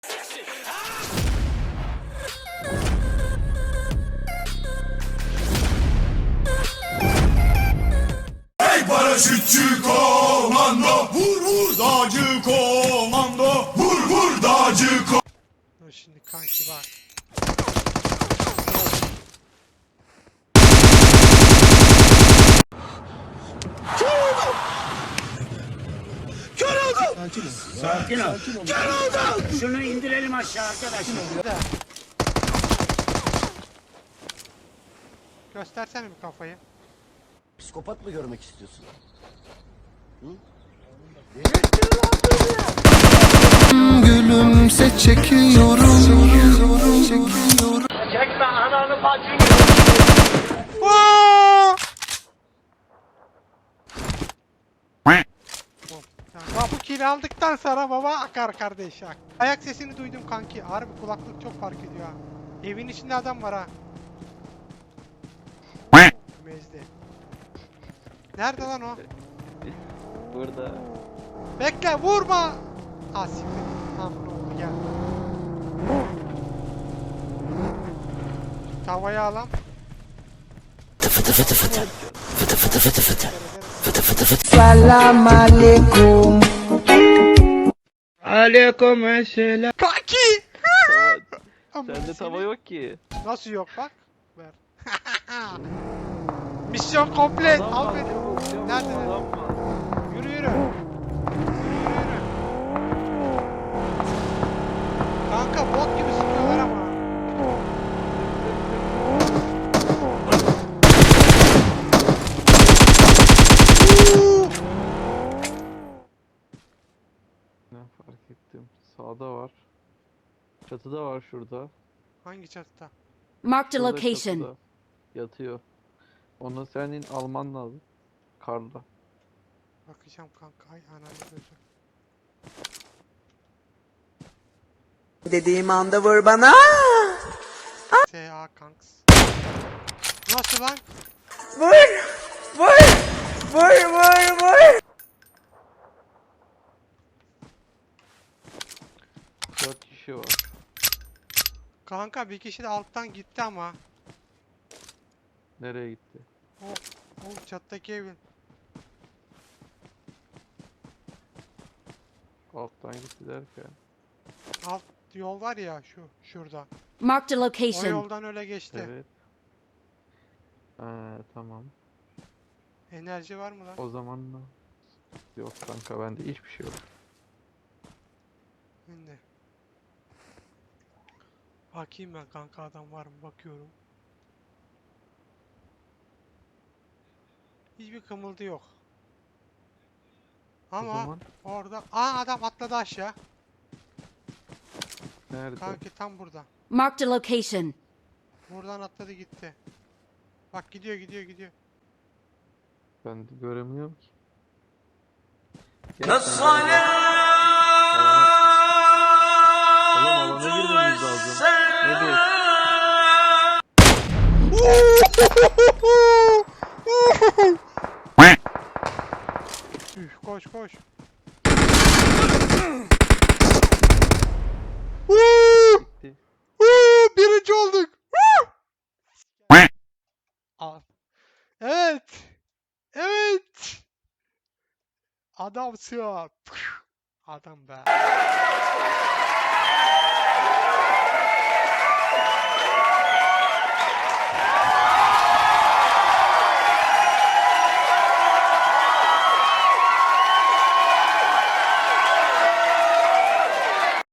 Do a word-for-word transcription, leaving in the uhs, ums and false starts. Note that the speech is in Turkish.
Hey paraşütçü komando, vur vur dağcı komando, vur vur dağcı komando. Dur şimdi kanki bak. Sakin ol. Şunu indirelim aşağı arkadaşlar. Güzel. Göstersene bir kafayı. Psikopat mı görmek istiyorsun? Gülümse çekiyorum, çekiyorum. Çekme ananı bacını. Aa! Bak bu kili aldıktan sonra baba akar kardeş ak. Ayak sesini duydum kanki. Harbi kulaklık çok fark ediyor ha. Evin içinde adam var ha. Mezdi. Nerede lan o? Burada. Bekle vurma. Ah siktir. Tamam ne oldu gel. Tavayı alam. Selam aleyküm. Aleyküm selam. Kanki. Tava, sende tava yok ki. Nasıl yok bak. Ver. Misyon komplet. Adam Al var, beni. çabuk, çabuk, Nerede? adam var. Yürü yürü. Yürü yürü. Kanka bot gibi sıkıyorlar ama. Uuu! Ne fark ettim. Sağda var. Çatıda var şurada. Hangi çatıda? Marked a Şurada location. çatıda. Yatıyor. Onu senin alman lazım. Karla. Bakacağım kanka. Ay ananı gözü. Dediğim anda vur bana. S A kanks. Nasıl lan? Vur, vur, vur, vur, vur. Dört kişi var. Kanka bir kişi de alttan gitti ama. Nereye gitti? O, o çattaki evin. Alttan gitti derken. Alt yol var ya şu şurada. Marked a O location. yoldan öyle geçti. Evet. Ee, tamam. Enerji var mı lan? O zaman da. Yok kanka bende hiçbir şey yok. Şimdi. Bakayım ben kanka adam var mı bakıyorum. Hiçbir kımıldı yok. O Ama zaman orada aa adam atladı aşağı. nerede? Kanki tam burada. Marked a location. Buradan atladı gitti. Bak gidiyor gidiyor gidiyor. Ben de göremiyorum ki. Nasıl alana... Oğlum alana girmemiz lazım. Ne diyorsun? Üf, koş koş. Gitti. Uuu, birinci olduk. Al. Evet. Evet. Adamsın. Adam be.